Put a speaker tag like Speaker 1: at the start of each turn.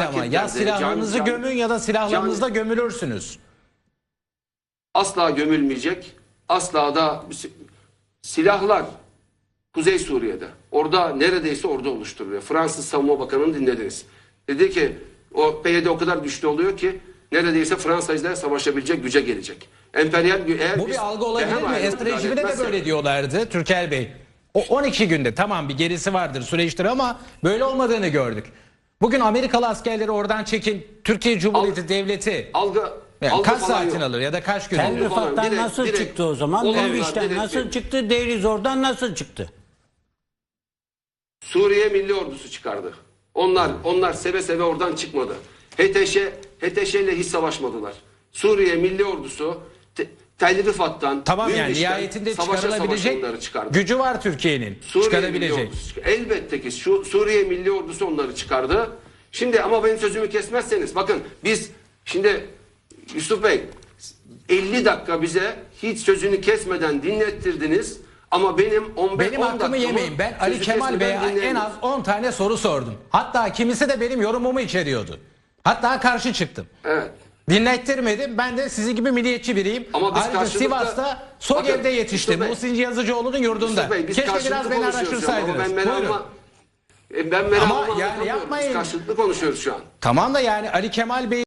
Speaker 1: ama ya silahlarınızı gömün ya da silahlarınızda gömülürsünüz.
Speaker 2: Asla gömülmeyecek. Asla da silahlar Kuzey Suriye'de. Orada neredeyse orada oluşturuluyor. Fransız Savunma Bakanı'nı dinlediniz. Dedi ki o PYD o kadar güçlü oluyor ki neredeyse Fransa ile savaşabilecek güce gelecek. Emperyal eğer
Speaker 1: bu bir algı olabilir mi? Esad rejiminde de böyle diyorlardı Türker Bey. O 12 günde tamam bir gerisi vardır süreçtir ama böyle olmadığını gördük. Bugün Amerikalı askerleri oradan çekin. Türkiye Cumhuriyeti Devleti yani kaç saatin alır ya da kaç gün
Speaker 3: Tel
Speaker 1: alır?
Speaker 3: Rifat'tan nasıl çıktı o zaman? Münbiş'ten nasıl çıktı? Deir ez-Zor'dan nasıl çıktı?
Speaker 2: Suriye Milli Ordusu çıkardı. Onlar seve seve oradan çıkmadı. HTŞ ile hiç savaşmadılar. Suriye Milli Ordusu Tel Rifat'tan
Speaker 1: tamam yani nihayetinde çıkarılabilecek gücü var Türkiye'nin. Çıkarabilecek.
Speaker 2: Elbette ki Suriye Milli Ordusu onları çıkardı. Şimdi ama benim sözümü kesmezseniz bakın biz şimdi Yusuf Bey 50 dakika bize hiç sözünü kesmeden dinlettirdiniz. Ama benim
Speaker 1: hakkımı yemeyin. Ben Ali Kemal Bey'e en az 10 tane soru sordum. Hatta kimisi de benim yorumumu içeriyordu. Hatta karşı çıktım.
Speaker 2: Evet.
Speaker 1: Dinlettirmedim. Ben de sizin gibi milliyetçi biriyim.
Speaker 2: Ama biz
Speaker 1: ayrıca Sivas'ta SOGEV'de yetiştim. Muhsin Yazıcıoğlu'nun yurdunda.
Speaker 2: Bey,
Speaker 1: keşke biraz beni araştırsaydınız.
Speaker 2: Ben merak
Speaker 1: ama yani yapmayın.
Speaker 2: Biz karşılıklı konuşuyoruz şu an.
Speaker 1: Tamam da yani Ali Kemal Bey